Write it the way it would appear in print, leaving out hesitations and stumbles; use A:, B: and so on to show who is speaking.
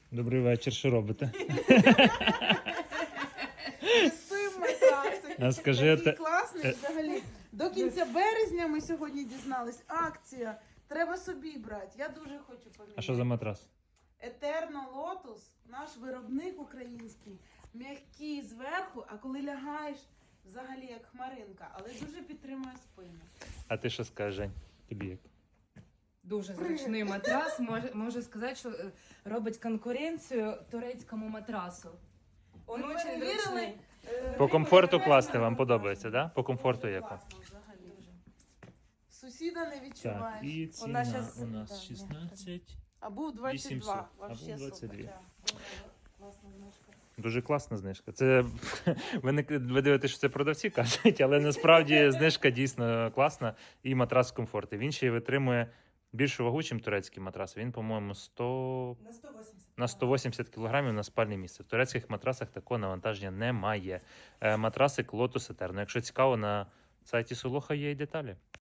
A: Добрий вечір, що робите?
B: Тестуємо матрасик.
A: А скажи,
B: Такий
A: те-
B: класний взагалі. До кінця березня ми сьогодні дізнались. Акція. Треба собі брати. Я дуже хочу поміняти.
A: А що за матрас?
B: Етерно Лотус, наш виробник український, м'який зверху, а коли лягаєш, взагалі як хмаринка, але дуже підтримує спину.
A: А ти що скажеш, Жень? Тобі як?
C: Дуже зручний матрас. Можу сказати, що робить конкуренцію турецькому матрасу. Он
B: Ми
C: очень
B: перевірили,
C: зручний.
A: По комфорту класти вам подобається, да? По комфорту як вам?
B: Класно взагалі. Сусіда не відчуваєш.
A: і
C: Вона щас-
A: у нас
C: да,
A: 16.
B: А був 22.
A: 800, а
B: Вообще
A: був 22.
B: супер. Да. Класна знижка.
A: Дуже класна знижка. Це ви дивитесь, що це продавці кажуть, але насправді знижка дійсно класна і матрас комфорту. Він ще й витримує більшу вагу, ніж турецький матрас. Він, по-моєму,
C: На 180.
A: на 180 кг на спальне місце. В турецьких матрасах такого навантаження немає. Матрасик Lotus Eterno. Якщо цікаво, на сайті Солоха є і деталі.